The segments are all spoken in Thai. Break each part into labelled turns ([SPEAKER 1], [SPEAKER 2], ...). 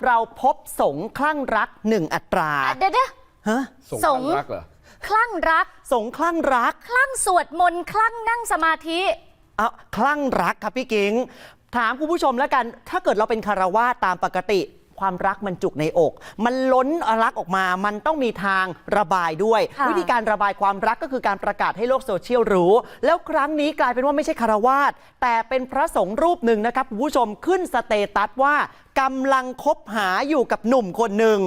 [SPEAKER 1] เราพบสงฆ์คลั่งรัก1 อัตรา
[SPEAKER 2] เดี๋ยว
[SPEAKER 1] ฮะ
[SPEAKER 3] สงฆ์คลั่งรักเหรอ
[SPEAKER 2] คลั่งรัก
[SPEAKER 1] สงฆ์คลั่งรัก
[SPEAKER 2] คลั่งสวดมนต์คลั่งนั่งสมาธิ
[SPEAKER 1] คลั่งรักครับพี่กิ๊งถามคุณผู้ชมแล้วกันถ้าเกิดเราเป็นคฤหัสถ์ตามปกติความรักมันจุกในอก มันล้นรักออกมามันต้องมีทางระบายด้วยวิธีการระบายความรักก็คือการประกาศให้โลกโซเชียลรู้แล้วครั้งนี้กลายเป็นว่าไม่ใช่คฤหัสถ์แต่เป็นพระสงฆ์รูปหนึ่งนะครับคุณผู้ชมขึ้นสเตตัสว่ากำลังคบหาอยู่กับหนุ่มคนหนึ่ง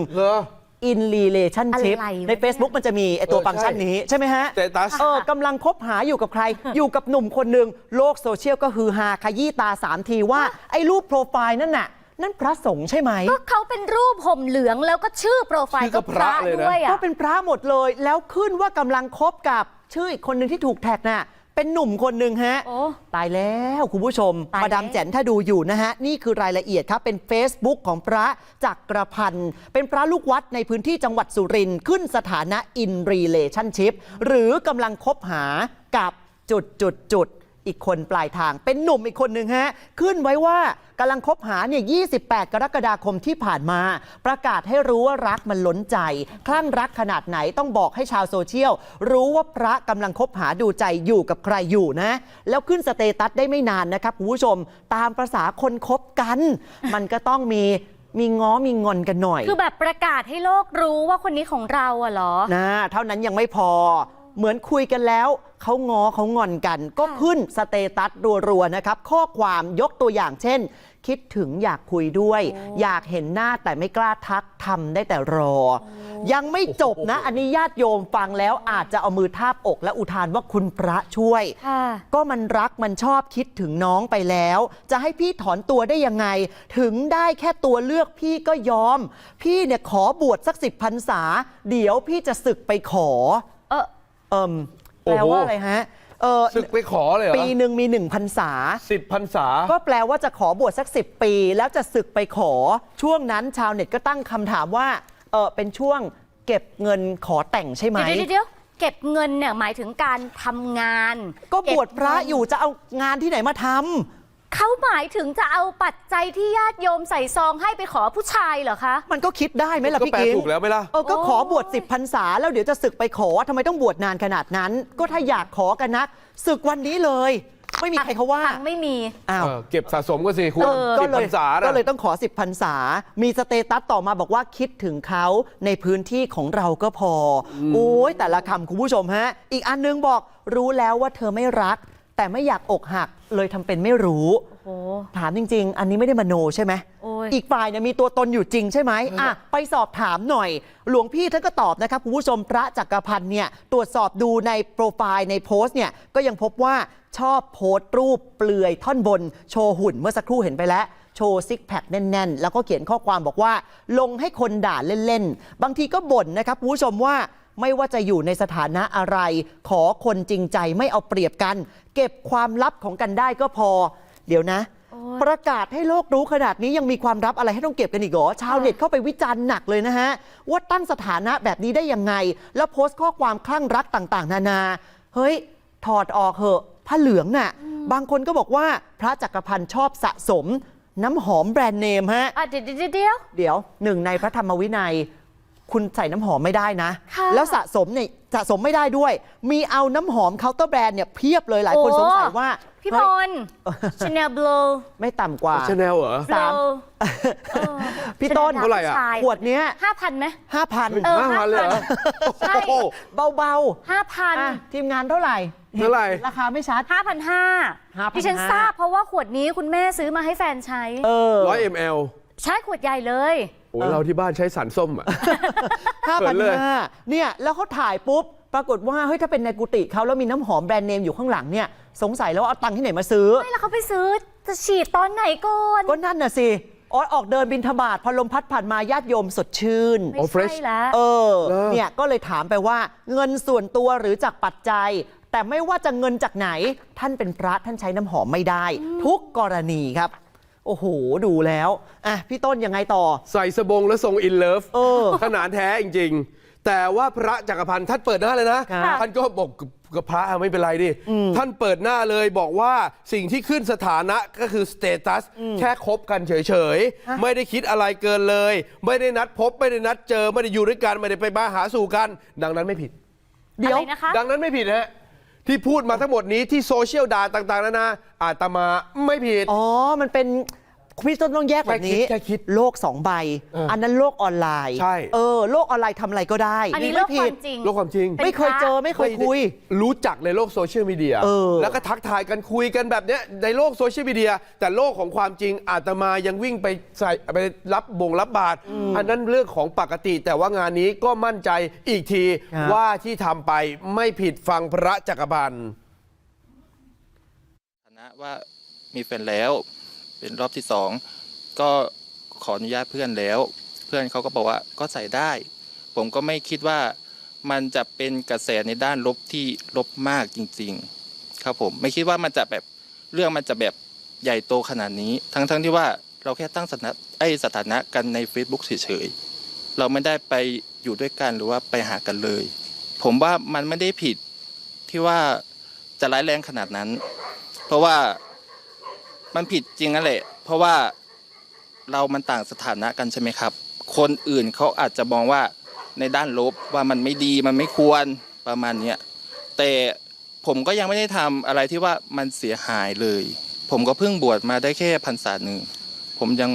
[SPEAKER 1] in relationship ใน Facebook มันจะมีไอตัวฟังก์ชันนี้ใช่ไหมฮะกำลังคบหาอยู่กับใคร อยู่กับหนุ่มคนหนึ่งโลกโซเชียลก็ฮือฮาขยี้ตา3 ทีว่าไอ้รูปโปรไฟล์นั่นน่ะนั่นพระสงฆ์ใช่ไหม
[SPEAKER 2] ก็เขาเป็นรูปห่มเหลืองแล้วก็ชื่อโปรไฟล์ก็พระด้วย
[SPEAKER 1] ก็เป็นพระหมดเลยแล้วขึ้นว่ากำลังคบกับชื่ออีกคนหนึ่งที่ถูกแท็กน่ะเป็นหนุ่มคนหนึ่งฮะตายแล้วคุณผู้ชมมาดามแจ๋นถ้าดูอยู่นะฮะนี่คือรายละเอียดครับเป็น Facebook ของพระจักรพันธ์เป็นพระลูกวัดในพื้นที่จังหวัดสุรินทร์ขึ้นสถานะ in relationship หรือกำลังคบหากับจุดอีกคนปลายทางเป็นหนุ่มอีกคนหนึ่งฮะขึ้นไว้ว่ากำลังคบหาเนี่ย28 กรกฎาคมที่ผ่านมาประกาศให้รู้ว่ารักมันล้นใจคลั่งรักขนาดไหนต้องบอกให้ชาวโซเชียลรู้ว่าพระกำลังคบหาดูใจอยู่กับใครอยู่นะแล้วขึ้นสเตตัสได้ไม่นานนะครับคุณผู้ชมตามประสาคนคบกันมันก็ต้องมีง้อมีงอนกันหน่อย
[SPEAKER 2] คือแบบประกาศให้โลกรู้ว่าคนนี้ของเราอะเหรอ
[SPEAKER 1] นะเท่านั้นยังไม่พอเหมือนคุยกันแล้วเขาง้อเขางอนกันก็ขึ้นสเตตัสรัวๆนะครับข้อความยกตัวอย่างเช่นคิดถึงอยากคุยด้วยอยากเห็นหน้าแต่ไม่กล้าทักทำได้แต่รอยังไม่จบนะอันนี้ญาติโยมฟังแล้วอาจจะเอามือทาบอกและอุทานว่าคุณพระช่วยก็มันรักมันชอบคิดถึงน้องไปแล้วจะให้พี่ถอนตัวได้ยังไงถึงได้แค่ตัวเลือกพี่ก็ยอมพี่เนี่ยขอบวชสัก10 พรรษาเดี๋ยวพี่จะศึกไปขอแปลว่าอะไรฮะ
[SPEAKER 3] ศึกไปขอเลยเหรอ
[SPEAKER 1] ปีหนึ่งมี1 พรรษา
[SPEAKER 3] 10 พรรษา
[SPEAKER 1] ก็แปลว่าจะขอบวชสัก10 ปีแล้วจะศึกไปขอช่วงนั้นชาวเน็ตก็ตั้งคำถามว่าเป็นช่วงเก็บเงินขอแต่งใช่ไหม
[SPEAKER 2] เดี๋ยวเก็บเงินเนี่ยหมายถึงการทำงาน
[SPEAKER 1] ก็บวชพระอยู่จะเอางานที่ไหนมาทำ
[SPEAKER 2] เขาหมายถึงจะเอาปัจจัยที่ญาติโยมใส่ซองให้ไปขอผู้ชายเหรอคะ
[SPEAKER 1] มันก็คิดได้ไหมล่ะพี่กิ๊ง
[SPEAKER 3] ก็แปลถูกแล้วไหมล่ะ
[SPEAKER 1] ก็ขอบวช10 พรรษาแล้วเดี๋ยวจะศึกไปขอทำไมต้องบวชนานขนาดนั้นก็ถ้าอยากขอกันนักศึกวันนี้เลยไม่มีใครเขาว่า
[SPEAKER 2] ไม่มี
[SPEAKER 3] เก็บสะสมก็สิคุณ10 พรรษา
[SPEAKER 1] ก็เลยต้องขอ10 พรรษามีสเตตัสต่อมาบอกว่าคิดถึงเขาในพื้นที่ของเราก็พอโอ้ยแต่ละคำคุณผู้ชมฮะอีกอันนึงบอกรู้แล้วว่าเธอไม่รักแต่ไม่อยากอกหักเลยทำเป็นไม่รู้ถามจริงๆอันนี้ไม่ได้มโนใช่ไหมอีกฝ่ายเนี่ยมีตัวตนอยู่จริงใช่ไหมไปสอบถามหน่อยหลวงพี่ท่านก็ตอบนะครับคุณผู้ชมพระจักรพันธ์เนี่ยตรวจสอบดูในโปรไฟล์ในโพสต์เนี่ยก็ยังพบว่าชอบโพสต์รูปเปลือยท่อนบนโชว์หุ่นเมื่อสักครู่เห็นไปแล้วโชว์ซิกแพคแน่นๆแล้วก็เขียนข้อความบอกว่าลงให้คนด่าเล่นๆบางทีก็บ่นนะครับคุณผู้ชมว่าไม่ว่าจะอยู่ในสถานะอะไรขอคนจริงใจไม่เอาเปรียบกันเก็บความลับของกันได้ก็พอเดี๋ยวนะประกาศให้โลกรู้ขนาดนี้ยังมีความลับอะไรให้ต้องเก็บกันอีกเหรอชาวเน็ตเข้าไปวิจารณ์หนักเลยนะฮะว่าตั้งสถานะแบบนี้ได้ยังไงแล้วโพสต์ข้อความคลั่งรักต่างๆนานาเฮ้ยถอดออกเหอะผ้าเหลืองน่ะบางคนก็บอกว่าพระจักรพันธ์ชอบสะสมน้ำหอมแบรนด์เนมฮะ
[SPEAKER 2] เดี๋ยว
[SPEAKER 1] หนึ่งในพระธรรมวินัยคุณใส่น้ำหอมไม่ได้นะแล้วสะสมเนี่ยสะสมไม่ได้ด้วยมีเอาน้ำหอมเคาน์เตอร์แบรนด์เนี่ยเพียบเลยหลายคนสงสัยว่า
[SPEAKER 2] พี่พลChanel Blow
[SPEAKER 1] ไม่ต่ำกว่า
[SPEAKER 3] Chanel เหรอ
[SPEAKER 1] 3พี่ต้น
[SPEAKER 3] เท่าไหร่อ่ะ
[SPEAKER 1] ขวดเนี้ย
[SPEAKER 2] 5,000 ไหม
[SPEAKER 1] 5,000
[SPEAKER 3] เลยเหรอ
[SPEAKER 2] ใช่
[SPEAKER 1] เบา
[SPEAKER 2] ๆ 5,000
[SPEAKER 1] ทีมงานเท่าไหร่ราคาไม่ชัด
[SPEAKER 2] 5,500 ดิฉันทราบเพราาะว่าขวดนี้คุณแม่ซื้อมาให้แฟนใช้
[SPEAKER 3] 100 ml
[SPEAKER 2] ใช่ขวดใหญ่เลย
[SPEAKER 3] เราที่บ้านใช้สารส้ม
[SPEAKER 1] 5,500เนี่ยแล้วเขาถ่ายปุ๊บปรากฏว่าเฮ้ยถ้าเป็นในกุฏิเขาแล้วมีน้ำหอมแบรนด์เนมอยู่ข้างหลังเนี่ยสงสัยแล้วเอาตังค์ที่ไหนมาซื้อ
[SPEAKER 2] ไม่แล้วเขาไปซื้อจะฉีดตอนไหนก่อน
[SPEAKER 1] ก็นั่นน่ะสิออกเดินบิณฑบาตพอลมพัดผ่านมาญาติโยมสดชื่น
[SPEAKER 2] ไม่ใช่แล้ว
[SPEAKER 1] เนี่ยก็เลยถามไปว่าเงินส่วนตัวหรือจากปัจจัยแต่ไม่ว่าจะเงินจากไหนท่านเป็นพระท่านใช้น้ำหอมไม่ได้ทุกกรณีครับโอ้โหดูแล้วพี่ต้นยังไงต่อ
[SPEAKER 3] ใส่สบงแล้วทรงอินเลิฟขนาดแท้จริงๆแต่ว่าพระจักรพันธ์ท่านเปิดหน้าเลยนะ
[SPEAKER 1] ค่ะ
[SPEAKER 3] ท่านก็บอกกับพระไม่เป็นไรดิท่านเปิดหน้าเลยบอกว่าสิ่งที่ขึ้นสถานะก็คือสเตตัสแค่คบกันเฉยๆไม่ได้คิดอะไรเกินเลย ไม่ได้นัดพบไม่ได้นัดเจอไม่ได้อยู่ด้วยกันไม่ได้ไปมาหาสู่กันดังนั้นไม่ผิด
[SPEAKER 1] เดี๋ยว
[SPEAKER 2] อะไรนะคะ
[SPEAKER 3] ดังนั้นไม่ผิดฮะที่พูดมาทั้งหมดนี้ที่โซเชียลด่าต่างๆนานาอาตมาไม่ผิด
[SPEAKER 1] อ๋อ มันเป็นพี่ต้นต้องแยกแบบนี้
[SPEAKER 3] แค่คิด
[SPEAKER 1] โลก2 ใบ อันนั้นโลกออนไลน์
[SPEAKER 3] ใช่
[SPEAKER 1] โลกออนไลน์ทำอะไรก็ได้
[SPEAKER 2] อันนี้
[SPEAKER 1] ไม่
[SPEAKER 2] โลกค
[SPEAKER 1] ผิ
[SPEAKER 2] วา
[SPEAKER 1] ด
[SPEAKER 2] มจริง
[SPEAKER 3] โลกความจริง
[SPEAKER 2] เป็น
[SPEAKER 1] ไม่เคยเจอไม่เคยคุย
[SPEAKER 3] รู้จักในโลกโซเชียลมีเดีย แล้วก็ทักทายกันคุยกันแบบเนี้ยในโลกโซเชียลมีเดียแต่โลกของความจริงอาตมายังวิ่งไปใส่ไปรับบาตรอันนั้นเรื่องของปกติ แต่ว่างานนี้ก็มั่นใจอีกที
[SPEAKER 1] ครับ
[SPEAKER 3] ว่าที่ทำไปไม่ผิดฟังพระจักรพันธ์
[SPEAKER 4] ฐานะว่ามีแฟนแล้วเป็นรอบที่2ก็ขออนุญาตเพื่อนแล้ว เพื่อนเขาก็บอกว่าก็ใส่ได้ ผมก็ไม่คิดว่ามันจะเป็นกระแสในด้านลบที่ลบมากจริงๆครับผมไม่คิดว่ามันจะแบบเรื่องมันจะแบบใหญ่โตขนาดนี้ทั้งที่ว่าเราแค่ตั้งสถานะกันใน Facebook เฉยๆเราไม่ได้ไปอยู่ด้วยกันหรือว่าไปหากันเลย ผมว่ามันไม่ได้ผิดที่ว่าจะร้ายแรงขนาดนั้น เพราะว่ามันผิดจริงนั่นแหละเพราะว่าเรามันต่างสถานะกันใช่ไหมครับคนอื่นเขาอาจจะมองว่าในด้านลบว่ามันไม่ดีมันไม่ควรประมาณเนี้ยแต่ผมก็ยังไม่ได้ทำอะไรที่ว่ามันเสียหายเลย ผมก็เพิ่งบวชมาได้แค่พรรษาหนึ่งผมยัง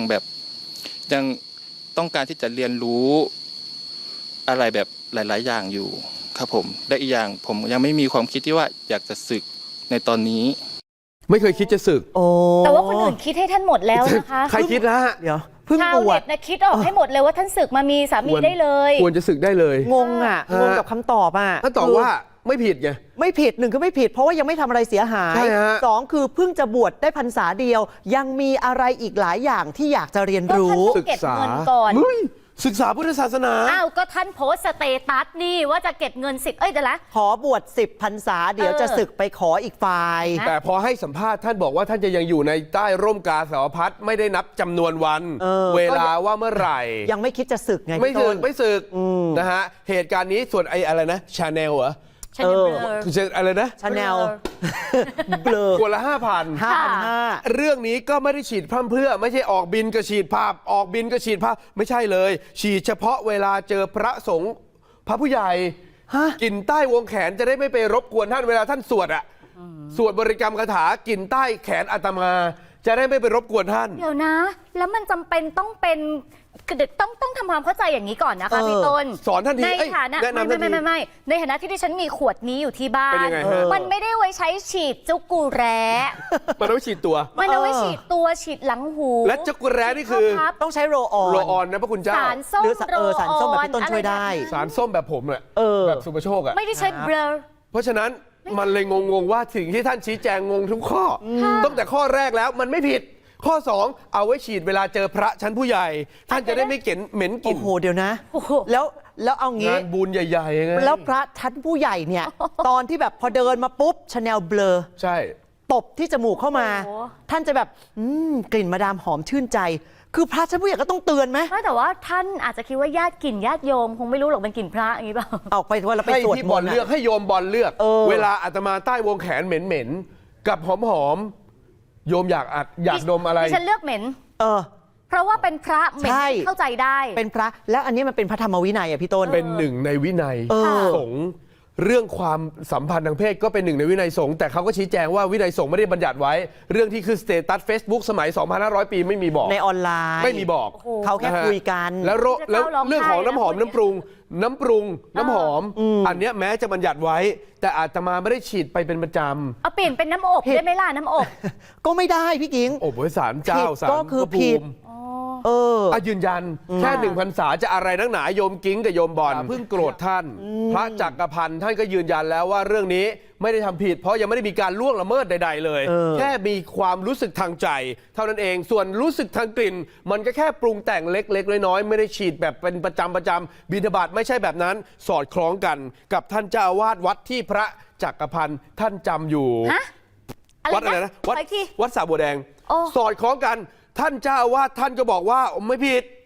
[SPEAKER 4] ต้องการที่จะเรียนรู้อะไรแบบหลาย ๆ อย่างอยู่ครับผมและอีกอย่างผมยังไม่มีความคิดที่ว่าอยากจะสึกในตอนนี้
[SPEAKER 3] ไม่เคยคิดจะสึก
[SPEAKER 1] โอ้
[SPEAKER 2] แต่ว่าคนอื่นคิดให้ท่านหมดแล้วนะคะ
[SPEAKER 3] ใครคิดนะฮะ
[SPEAKER 1] เดี๋ยวเพิ่ง
[SPEAKER 2] ชาว
[SPEAKER 1] บว
[SPEAKER 2] เน็
[SPEAKER 1] ช
[SPEAKER 2] ตนะคิดออกให้หมดเลยว่าท่านศึกมามีสามีได้เลย
[SPEAKER 3] ควรจะสึกได้เลย
[SPEAKER 1] งงอ่ะ
[SPEAKER 3] ฮะ
[SPEAKER 1] งงกับคำตอบอ่ะ
[SPEAKER 3] ถ้าตอบว่าไม่ผิดไง
[SPEAKER 1] ไม่ผิด1คือไม่ผิด เพราะว่ายังไม่ทำอะไรเสียหาย
[SPEAKER 3] ใช่ฮะ
[SPEAKER 1] 2คือเพิ่งจะบวชได้พรรษาเดียว ยังมีอะไรอีกหลายอย่างที่อยากจะเรียน
[SPEAKER 2] ก็
[SPEAKER 1] รู้
[SPEAKER 2] ท่านต้องเก็บเงินก่อน
[SPEAKER 3] เฮ้ยศึกษาพุทธศาสนา
[SPEAKER 2] อ้าวก็ท่านโพสต์สเตตัสนี่ว่าจะเก็บเงิน10เดี๋ยวละ
[SPEAKER 1] ขอบวช10 พรรษาเดี๋ยวจะศึกไปขออีกฝ่าย
[SPEAKER 2] นะ
[SPEAKER 3] แต่พอให้สัมภาษณ์ท่านบอกว่าท่านจะยังอยู่ในใต้ร่มกาสาวพัดไม่ได้นับจำนวนวัน เวลาว่าเมื่อไหร่
[SPEAKER 1] ยังไม่คิดจะศึกไง
[SPEAKER 3] ไม่
[SPEAKER 1] พี่
[SPEAKER 3] สึ
[SPEAKER 1] ต้
[SPEAKER 3] ก
[SPEAKER 1] น
[SPEAKER 3] ไม่สึกนะฮะเหตุการณ์นี้ส่วนอะไรนะชาแนลเหรอ
[SPEAKER 2] ฉันยังเบลอ
[SPEAKER 3] คืออะไรนะ
[SPEAKER 1] ชาแนลเบลอ
[SPEAKER 3] ขวดละ 5,000
[SPEAKER 1] 5,500
[SPEAKER 3] เรื่องนี้ก็ไม่ได้ฉีดพร่ำเพรื่อไม่ใช่ออกบินก็ฉีดภาพออกบินก็ฉีดภาพไม่ใช่เลย ฉีดเฉพาะเวลาเจอพระสงฆ์พระผู้ใหญ่
[SPEAKER 1] ฮะ
[SPEAKER 3] กลิ่นใต้วงแขนจะได้ไม่ไปรบกวนท่านเวลาท่านสวดอะสวดบริกรรมคาถากลิ่นใต้แขนอาตมา จะได้ไม่ไปรบกวนท่าน
[SPEAKER 2] เดี๋ยวนะ แล้วมันจำเป็นต้องเป็นคือต้องทำความเข้าใจอย่างนี้ก่อนนะคะพี่ต้น
[SPEAKER 3] สอนทันที
[SPEAKER 2] ใน
[SPEAKER 3] เอ้ย
[SPEAKER 2] ฐานะ
[SPEAKER 3] แนะนำทันที
[SPEAKER 2] ไม่ในฐานะที่ดิฉันมีขวดนี้อยู่ที่บ้า
[SPEAKER 3] เป็น
[SPEAKER 2] น
[SPEAKER 3] ยังไงฮะ
[SPEAKER 2] มันไม่ได้ไว้ใช้ฉีดจุกูแร้
[SPEAKER 3] มันต้องฉีดตัว
[SPEAKER 2] มันเอาไว้ฉีดตัวฉีดหลังหู
[SPEAKER 3] และจักรแร้นี่คือ
[SPEAKER 2] พับ
[SPEAKER 1] ต้องใช้โรลออน
[SPEAKER 3] โรลออนนะพระคุณเจ้า
[SPEAKER 2] สารส้ม
[SPEAKER 1] หรือ
[SPEAKER 2] โรล
[SPEAKER 1] สารส้มแบบพี่ต้น
[SPEAKER 2] ออ
[SPEAKER 1] ช่วยได้
[SPEAKER 2] อะรแบบ
[SPEAKER 3] สารส้มแบบผมแหละ แบบสุภโชคอะ
[SPEAKER 2] ไม่ได้ใช้เบลอ
[SPEAKER 3] เพราะฉะนั้นมันเลยงงว่าสิ่งที่ท่านชี้แจงงงทุกข้อตั้งแต่ข้อแรกแล้วมันไม่ผิด ข้อ 2 เอาไว้ฉีดเวลาเจอพระชั้นผู้ใหญ่ ท่านจะได้ไม่เหม็นกลิ่
[SPEAKER 1] โอ้
[SPEAKER 3] น
[SPEAKER 1] โหเดี๋ยวนะ
[SPEAKER 2] โอ้โห
[SPEAKER 1] แล้วเอางี้
[SPEAKER 3] งานบุญใหญ่ๆไง
[SPEAKER 1] แล้วพระชั้นผู้ใหญ่เนี่ย ตอนที่แบบพอเดินมาปุ๊บชาแนลเบลอ
[SPEAKER 3] ใช่
[SPEAKER 1] ตบที่จมูกเข้ามา
[SPEAKER 2] โอ้โห
[SPEAKER 1] ท่านจะแบบกลิ่นมาดามหอมชื่นใจ คือพระชั้นผู้ใหญ่ก็ต้องเตือนไหม
[SPEAKER 2] ไม่แต่ว่าท่านอาจจะคิดว่าญาติกลิ่นญาติโยมคงไม่รู้หรอกเป็นกลิ่นพระอย่างนี้เปล่า
[SPEAKER 1] ออกไปว่าเราไป
[SPEAKER 3] ให้
[SPEAKER 1] สวด
[SPEAKER 3] ที่
[SPEAKER 1] ม
[SPEAKER 3] บอน ล
[SPEAKER 1] ต์
[SPEAKER 3] เลือก
[SPEAKER 1] อะ
[SPEAKER 3] ให้โยมบอลเลือก
[SPEAKER 1] เออ
[SPEAKER 3] เวลาอาตมาใต้วงแขนเหม็นๆกับหอมๆโยมอยากดมอะไร
[SPEAKER 2] ดิฉันเลือกเหม็น
[SPEAKER 1] เออ
[SPEAKER 2] เพราะว่าเป็นพระเหม็น
[SPEAKER 1] ใช่
[SPEAKER 2] เข้าใจได้
[SPEAKER 1] เป็นพระแล้วอันนี้มันเป็นพระธรรมวินัยอ่ะพี่ต้น
[SPEAKER 3] เป็นหนึ่งในวินัย
[SPEAKER 1] เออ
[SPEAKER 3] สงฆ์เรื่องความสัมพันธ์ทางเพศก็เป็นหนึ่งในวินัยสงฆ์แต่เขาก็ชี้แจงว่าวินัยสงฆ์ไม่ได้บัญญัติไว้ เรื่องที่คือสเตตัส Facebook สมัย 2,500 ปีไม่มีบอก
[SPEAKER 1] ในออนไลน์
[SPEAKER 3] ไม่มีบอก
[SPEAKER 2] โอ้โห
[SPEAKER 1] เขาแค่
[SPEAKER 3] นะฮะ
[SPEAKER 1] คุยกัน
[SPEAKER 3] แล้วเรื่องของน้ำหอม
[SPEAKER 2] จะ
[SPEAKER 3] น้ำ
[SPEAKER 2] เข้าร้องไห้
[SPEAKER 3] น้ำปรุงน้ำหอม อันเนี้ยแม้จะบัญญัติไว้ แต่อาตมาไม่ได้ฉีดไปเป็นประจ
[SPEAKER 2] เอาเปลี่ยนเป็นน้ำอบ
[SPEAKER 1] ผิด
[SPEAKER 2] ได้ไหมล่ะน้ำอบ
[SPEAKER 1] ก็ไม่ได้พี่กิง
[SPEAKER 3] ำอบไว้ศาลเจ้า
[SPEAKER 1] ผิด
[SPEAKER 3] ศาล
[SPEAKER 1] ก็คือ
[SPEAKER 3] พระภู
[SPEAKER 1] ผิด
[SPEAKER 3] มิ
[SPEAKER 1] เออ
[SPEAKER 3] ยืนยันแค่1 พรรษาจะอะไรนักหนาโยมกิ้งกับโยมบอลเพิ่งโกรธท่าน พระจักรพันธ์ท่านก็ยืนยันแล้วว่าเรื่องนี้ไม่ได้ทำผิด เพราะยังไม่ได้มีการล่วงละเมิดใดๆเลย แค่มีความรู้สึกทางใจ เท่านั้นเองส่วนรู้สึกทางกลิ่น มันก็แค่ปรุงแต่งเล็กๆน้อยๆไม่ได้ฉีดแบบเป็นประจำบิณฑบาตไม่ใช่แบบนั้น สอดคล้องกันกับท่านเจ้าอาวาสวัดที่พระจักรพันธ์ท่านจำอยู่
[SPEAKER 2] ฮะ
[SPEAKER 3] วัดอะไรนะวัด
[SPEAKER 2] ไปที่
[SPEAKER 3] วัดสระบัวแดง
[SPEAKER 2] โอ้
[SPEAKER 3] สอดคล้องกันท่านเจ้าอาวาสท่านก็บอกว่าไม่ผิด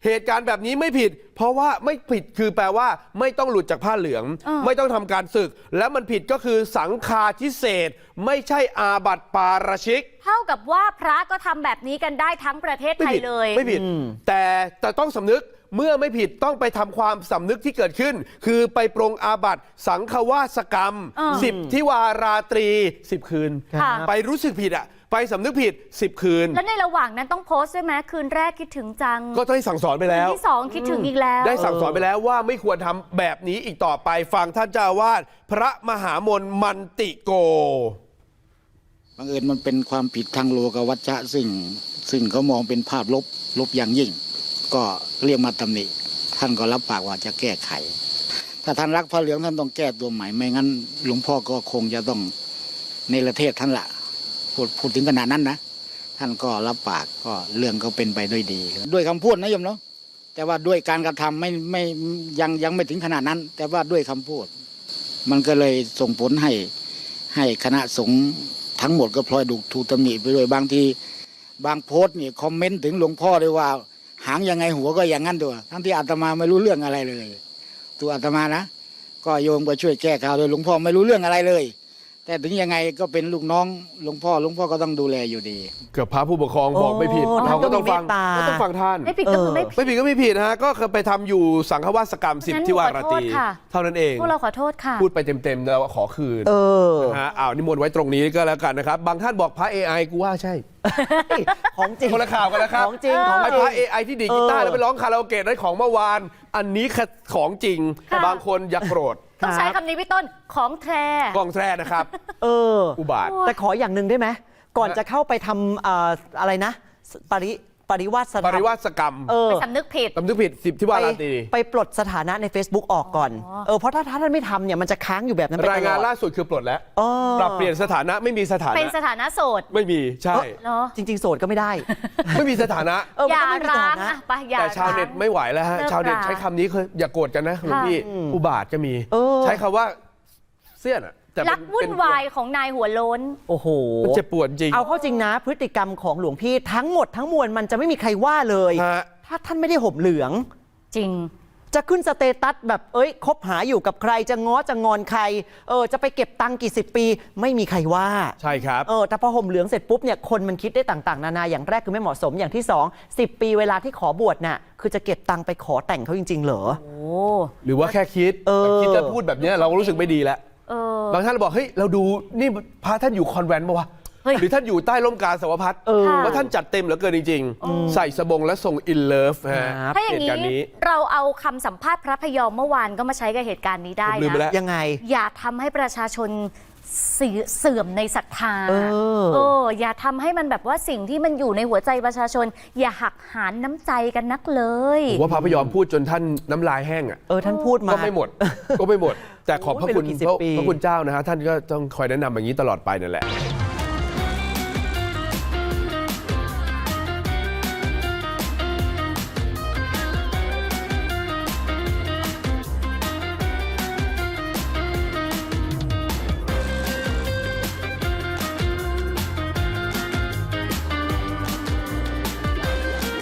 [SPEAKER 3] เหตุการณ์แบบนี้ไม่ผิด เพราะว่าไม่ผิดคือแปลว่าไม่ต้องหลุดจากผ้าเหลือง ไม่ต้องทำการศึก แล้วมันผิดก็คือสังฆาทิเศษไม่ใช่อาบัติปาราชิก
[SPEAKER 2] เท่ากับว่าพระก็ทำแบบนี้กันได้ทั้งประเทศไทยเลย
[SPEAKER 3] ไม่ผิดแต่ต้องสำนึกเมื่อไม่ผิดต้องไปทำความสำนึกที่เกิดขึ้น คือไปปรงอาบัติสังฆวาสกรรม 10 ทิวาราตรี 10 คืน
[SPEAKER 2] ค่ะ
[SPEAKER 3] ไปรู้สึกผิดไปสำนึกผิด 10 คืน
[SPEAKER 2] แล้วในระหว่างนั้นต้องโพสต์ด้วยไหมคืนแรกคิดถึงจัง
[SPEAKER 3] ก็ต้องสั่งสอนไปแล้ว
[SPEAKER 2] คืนที่สองคิดถึงอีกแล้ว
[SPEAKER 3] ได้สั่งสอนไปแล้วว่าไม่ควรทำแบบนี้อีกต่อไปฟังท่านเจ้าอาวาสพระมหามนมันติโก
[SPEAKER 5] บังเอิญมันเป็นความผิดทางโลกวัชชะซึ่งเขามองเป็นภาพลบอย่างยิ่ง ก็เรียกมาตำหนิท่านก็รับปากว่าจะแก้ไข ถ้าท่านรักพระเหลืองท่านต้องแก้ตัวใหม่ไม่งั้นหลวงพ่อก็คงจะต้องเนรเทศท่านละพูดถึงขนาดนั้นนะท่านก็รับปากก็เรื่องก็เป็นไปด้วยดี ด้วยคำพูดนะโยมเนาะแต่ว่าด้วยการกระทำไม่ยังไม่ถึงขนาดนั้น แต่ว่าด้วยคำพูด มันก็เลยส่งผลให้คณะสงฆ์ทั้งหมดก็พลอยถูกตำหนิไปด้วยบางทีบางโพสต์นี่คอมเมนต์ถึงหลวงพ่อเลยว่าหางยังไงหัวก็อย่างนั้นตัวทั้งที่อาตมาไม่รู้เรื่องอะไรเลย ตัวอาตมานะก็โยมก็ช่วยแก้ข่าวโดยหลวงพ่อไม่รู้เรื่องอะไรเลย แต่ถึงยังไงก็เป็นลูกน้องหลวงพ่อก็ต้องดูแลอยู่ดี
[SPEAKER 3] เกือบพระผู้ปกครองบอกไม่ผิด
[SPEAKER 1] โอ้
[SPEAKER 3] เราก็ต้องฟัง
[SPEAKER 1] ท่านก็มีเมตตา
[SPEAKER 3] ก็ต้องฟังท่าน
[SPEAKER 2] ไม่ผิดก็คือไม่ผิด
[SPEAKER 3] ไม่ผิดก็ไม่ผิดนะฮะก็เคยไปทำอยู่สังฆวาสกรรม
[SPEAKER 2] งั้น
[SPEAKER 3] 10 ทิวาราตรี
[SPEAKER 2] ขอโทษค่ะ
[SPEAKER 3] เท่านั้นเอง
[SPEAKER 2] พวกเราขอโทษค่ะ
[SPEAKER 3] พูดไปเต็มๆแล้วขอคืน นะฮะนิมนต์ไว้ตรงนี้ก็แล้วกันนะครับ บางท่านบอกพระ AI กูว่าใช่
[SPEAKER 1] ของจริง
[SPEAKER 3] คนละข่าวกันนะครับ
[SPEAKER 1] ของจริงของ
[SPEAKER 3] ไอ้
[SPEAKER 1] จริ
[SPEAKER 3] พ
[SPEAKER 1] ง
[SPEAKER 3] ระ AI ที่ดีดกีตาร์แล้วไปร้องคาราโอเกะได้ของเมื่อวาน อันนี้คือของจริง
[SPEAKER 2] ค่ะ
[SPEAKER 3] บางคนอย่าโกรธ
[SPEAKER 2] ต้องใช้คำนี้พี่ต้นของแท้
[SPEAKER 3] กล้องแทร่นะครับ อุบาท
[SPEAKER 1] แต่ขออย่างหนึ่งได้ไหมก่อนจะเข้าไปทำอะไรนะ ปริวาส
[SPEAKER 3] ปริวาสกรรม
[SPEAKER 2] ไปสำนึกผิด
[SPEAKER 3] สำนึกผิด10 ทิวาราตรี
[SPEAKER 1] ไปปลดสถานะใน Facebook ออกก่อน เพราะถ้าท่านไม่ทำเนี่ยมันจะค้างอยู่แบบนั้นไปตลอด
[SPEAKER 3] รายงานล่าสุดคือปลดแล้ว
[SPEAKER 1] เออ
[SPEAKER 3] ปรับเปลี่ยนสถานะไม่มีสถา
[SPEAKER 2] เป็น
[SPEAKER 3] นะ
[SPEAKER 2] สถานะโสด
[SPEAKER 3] ไม่มีใช่
[SPEAKER 2] เหรอ
[SPEAKER 1] จริง ๆ โสดก็ไม่ได้
[SPEAKER 3] ไม่มีสถานะ
[SPEAKER 1] มัน
[SPEAKER 2] อย่า
[SPEAKER 1] ก็ไม่มีส
[SPEAKER 2] ร้า
[SPEAKER 1] ถาง นะ
[SPEAKER 2] อะไปอย่า
[SPEAKER 3] แต่ชาวเน็ต
[SPEAKER 2] ร้ง
[SPEAKER 3] ไม่ไหวแล้วฮะ
[SPEAKER 2] เลิก
[SPEAKER 3] ชาวเน็ต
[SPEAKER 2] รา
[SPEAKER 3] ใช้คำนี้คืออย่าโกรธกันนะหลวงพี่
[SPEAKER 1] ค่ะ
[SPEAKER 3] อุบาทก็มี
[SPEAKER 1] เออ
[SPEAKER 3] ใช้คำว่าเสี้ยนอะแต่
[SPEAKER 2] รักวุ่นวายของนายหัวโล้น
[SPEAKER 1] โอ้โห
[SPEAKER 3] มันเจ็บปวดจริง
[SPEAKER 1] เอาเข้าจริงนะ พฤติกรรมของหลวงพี่ทั้งหมดทั้งมวลมันจะไม่มีใครว่าเลย
[SPEAKER 3] ฮะ
[SPEAKER 1] ถ้าท่านไม่ได้ห่มเหลือง
[SPEAKER 2] จริง
[SPEAKER 1] จะขึ้นสเตตัสแบบคบหาอยู่กับใครจะง้อจะงอนใครจะไปเก็บตังค์กี่สิบปี ไม่มีใครว่า
[SPEAKER 3] ใช่ครับ
[SPEAKER 1] แต่พอห่มเหลืองเสร็จปุ๊บเนี่ยคนมันคิดได้ต่างๆนานาอย่างแรกคือไม่เหมาะสมอย่างที่2 10 ปีเวลาที่ขอบวชน่ะคือจะเก็บตังค์ไปขอแต่งเขาจริงๆเหรอ
[SPEAKER 2] โอ้
[SPEAKER 3] หรือว่าแค่คิดแต่คิดจะพูดแบบเนี้ยเราก็รู้สึกไม่ดีแล้ว
[SPEAKER 2] เออบ
[SPEAKER 3] างท่านบอกเฮ้ยเราดูนี่พระท่านอยู่คอนแวนต์ปะวะ
[SPEAKER 2] เฮ้ย
[SPEAKER 3] หรือท่านอยู่ใต้ร่มกาสาวพัฒน์
[SPEAKER 2] ค่ะ
[SPEAKER 3] ว่าท่านจัดเต็มเหลือเกินจริงๆ ใส่สบงและทรงอินเลิฟฮะ
[SPEAKER 1] ครับ
[SPEAKER 2] ถ้าอย่าง
[SPEAKER 3] เหตุการณ์นี้
[SPEAKER 2] เราเอาคำสัมภาษณ์พระพยอมเมื่อวานก็มาใช้กับเหตุการณ์นี้ได้
[SPEAKER 3] ผมลืมไปแล้ว
[SPEAKER 2] นะ
[SPEAKER 1] ยังไง
[SPEAKER 2] อย่าทำให้ประชาชนเสื่อมในศรัทธา อย่าทำให้มันแบบว่าสิ่งที่มันอยู่ในหัวใจประชาชน อย่าหักหานน้ำใจกันนักเลย
[SPEAKER 3] ผมว่าพระพยอมพูดจนท่านน้ำลายแห้งอ่ะ
[SPEAKER 1] ท่านพูดมา
[SPEAKER 3] ก็ไม่หมด ก็ไม่หมด แต่ขอบพระคุณ
[SPEAKER 1] โอ้ยไม่รู้กี่สิบปี
[SPEAKER 3] พระคุณเจ้านะฮะท่านก็ต้องคอยแนะนำอย่างนี้ตลอดไปนั่นแหละ